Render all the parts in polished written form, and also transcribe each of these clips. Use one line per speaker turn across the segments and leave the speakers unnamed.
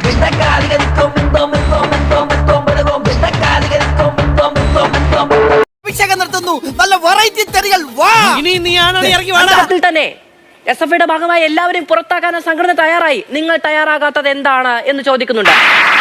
നിർത്തുന്നു. നല്ല വെറൈറ്റി തെറികൾ വാ. ഇനി നീയാണ് ഇറങ്ങി വാടാ.
തന്നെ SFIയുടെ ഭാഗമായി എല്ലാവരെയും പുറത്താക്കാൻ സംഘടന തയ്യാറായി. നിങ്ങൾ തയ്യാറാകാത്തത് എന്താണ് എന്ന് ചോദിക്കുന്നുണ്ട്.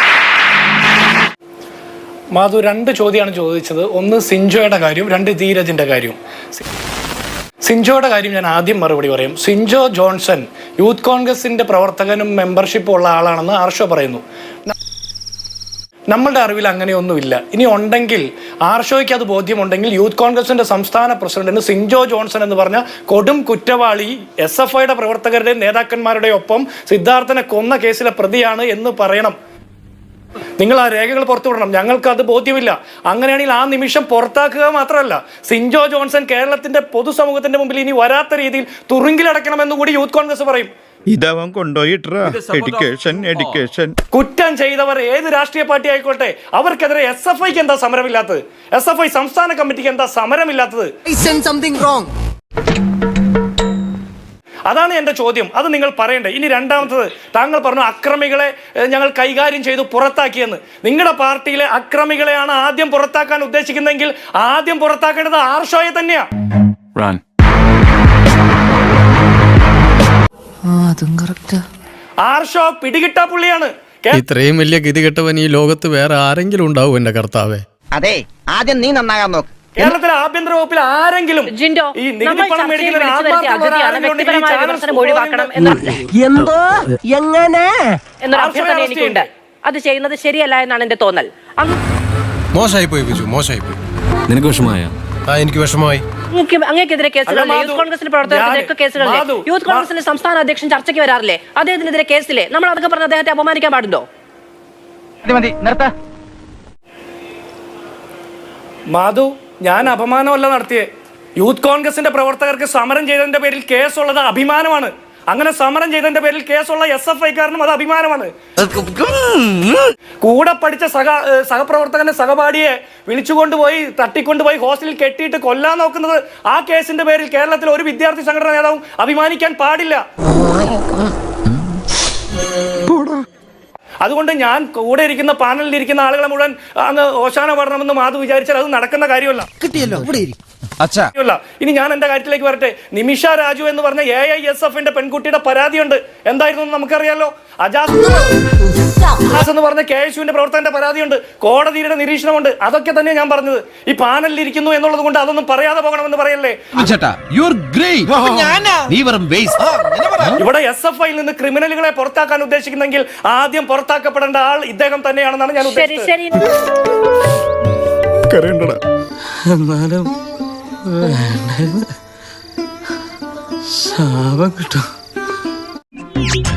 മാധു രണ്ട് ചോദ്യമാണ് ചോദിച്ചത്. ഒന്ന് സിൻജോയുടെ കാര്യം, രണ്ട് ധീരജിന്റെ കാര്യം. സിൻജോയുടെ കാര്യം ഞാൻ ആദ്യം മറുപടി പറയും. സിൻജോ ജോൺസൺ യൂത്ത് കോൺഗ്രസിന്റെ പ്രവർത്തകനും മെമ്പർഷിപ്പും ഉള്ള ആളാണെന്ന് ആർഷോ പറയുന്നു. നമ്മളുടെ അറിവിൽ അങ്ങനെയൊന്നുമില്ല. ഇനി ഉണ്ടെങ്കിൽ ആർഷോയ്ക്ക് അത് ബോധ്യമുണ്ടെങ്കിൽ യൂത്ത് കോൺഗ്രസിന്റെ സംസ്ഥാന പ്രസിഡന്റിന് സിൻജോ ജോൺസൺ എന്ന് പറഞ്ഞ കൊടും കുറ്റവാളി SFIയുടെ പ്രവർത്തകരുടെയും നേതാക്കന്മാരുടെയും ഒപ്പം സിദ്ധാർത്ഥനെ കൊന്ന കേസിലെ പ്രതിയാണ് എന്ന് പറയണം. നിങ്ങൾ ആ രേഖകൾ പുറത്തുവിടണം. ഞങ്ങൾക്ക് അത് ബോധ്യമില്ല. അങ്ങനെയാണെങ്കിൽ ആ നിമിഷം പുറത്താക്കുക മാത്രമല്ല, സിൻജോ ജോൺസൺ കേരളത്തിന്റെ പൊതുസമൂഹത്തിന്റെ മുമ്പിൽ ഇനി വരാത്ത രീതിയിൽ തുറുങ്കിലടക്കണമെന്ന് കൂടി യൂത്ത് കോൺഗ്രസ് പറയും.
ഇതവൻ കൊണ്ടുപോയിട്ടാ എഡ്യൂക്കേഷൻ
കുറ്റം ചെയ്തവർ ഏത് രാഷ്ട്രീയ പാർട്ടി ആയിക്കോട്ടെ, അവർക്കെതിരെ SFIക്ക് എന്താ സമരമില്ലാത്തത്? SFI സംസ്ഥാന കമ്മിറ്റിക്ക് എന്താ സമരമില്ലാത്തത്? അതാണ് എന്റെ ചോദ്യം. അത് നിങ്ങൾ പറയണ്ടേ. ഇനി രണ്ടാമത്തത്, താങ്കൾ പറഞ്ഞു അക്രമികളെ ഞങ്ങൾ കൈകാര്യം ചെയ്തു പുറത്താക്കിയെന്ന്. നിങ്ങളുടെ പാർട്ടിയിലെ അക്രമികളെയാണ് ആദ്യം പുറത്താക്കാൻ ഉദ്ദേശിക്കുന്നതെങ്കിൽ ആദ്യം പുറത്താക്കേണ്ടത് ആർഷോയെ തന്നെയാ. ആർഷോ പിടികിട്ടാ പുള്ളിയാണ്.
ഇത്രയും വലിയ ഗതികെട്ടവൻ ഈ ലോകത്ത് വേറെ ആരെങ്കിലും ഉണ്ടാവും എന്റെ കർത്താവേ?
അതെ, ആദ്യം നീ നന്നാകാൻ നോക്ക്.
കേരളത്തിലെ ആഭ്യന്തര വകുപ്പിൽ ആരെങ്കിലും ഈ നികുതി പണം മേടിക്കുന്ന
എനിക്കുണ്ട്. അത് ചെയ്യുന്നത് ശരിയല്ല എന്നാണ് എന്റെ തോന്നൽ.
മോശമായി പോയി ബിജു, മോശമായി പോയി.
നിനക്ക് വിഷമമായോ?
എനിക്ക് വിഷമമായി.
അങ്ങേക്കെതിരെ കേസുകളിലെ യൂത്ത് കോൺഗ്രസിന്റെ പ്രവർത്തകർക്കെതിരെ കേസുകളിലെ യൂത്ത് കോൺഗ്രസിന്റെ സംസ്ഥാന അധ്യക്ഷൻ ചർച്ചയ്ക്ക് വരാറില്ലേ? അദ്ദേഹത്തിനെതിരെ കേസിലെ നമ്മൾ അതൊക്കെ പറഞ്ഞ് അദ്ദേഹത്തെ അപമാനിക്കാൻ പാടുണ്ടോ?
മാധു, ഞാൻ അപമാനമല്ല നടത്തിയേ. യൂത്ത് കോൺഗ്രസിന്റെ പ്രവർത്തകർക്ക് സമരം ചെയ്തതിന്റെ പേരിൽ കേസുള്ളത് അഭിമാനമാണ്. അങ്ങനെ സമരം ചെയ്തതിന്റെ പേരിൽ കേസുള്ള SFIക്കാരനും അത് അഭിമാനമാണ്. കൂടെ പഠിച്ച സഹപ്രവർത്തകന്റെ സഹപാഠിയെ വിളിച്ചുകൊണ്ടുപോയി തട്ടിക്കൊണ്ടുപോയി ഹോസ്റ്റലിൽ കെട്ടിയിട്ട് കൊല്ലാൻ നോക്കുന്നത്, ആ കേസിന്റെ പേരിൽ കേരളത്തിൽ ഒരു വിദ്യാർത്ഥി സംഘടന നേതാവും അഭിമാനിക്കാൻ പാടില്ല. അതുകൊണ്ട് ഞാൻ കൂടെ ഇരിക്കുന്ന പാനലിൽ ഇരിക്കുന്ന ആളുകളെ മുഴുവൻ അങ്ങ് ഓശാന പാടണമെന്ന് മാധു വിചാരിച്ചാൽ അത് നടക്കുന്ന കാര്യമല്ല. ഇനി ഞാൻ എന്റെ കാര്യത്തിലേക്ക് വരട്ടെ. നിമിഷ രാജു എന്ന് പറഞ്ഞ AISFന്റെ പെൺകുട്ടിയുടെ പരാതിയുണ്ട്. എന്തായിരുന്നു നമുക്കറിയാലോ. അജാസ് എന്ന് പറഞ്ഞ KSUവിന്റെ പ്രവർത്തകന്റെ പരാതിയുണ്ട്. കോടതിയുടെ നിരീക്ഷണമുണ്ട്. അതൊക്കെ തന്നെ ഞാൻ പറഞ്ഞത്. ഈ പാനലിൽ ഇരിക്കുന്നു എന്നുള്ളത് കൊണ്ട് അതൊന്നും പറയാതെ പോകണമെന്ന് പറയല്ലേ. ഇവിടെ SFIയിൽ നിന്ന് ക്രിമിനലുകളെ പുറത്താക്കാൻ ഉദ്ദേശിക്കുന്നെങ്കിൽ ആദ്യം പുറത്താക്കപ്പെടേണ്ട ആൾ ഇദ്ദേഹം തന്നെയാണെന്നാണ് ഞാൻ ഉദ്ദേശിച്ചത്.
ശാപം കിട്ടും.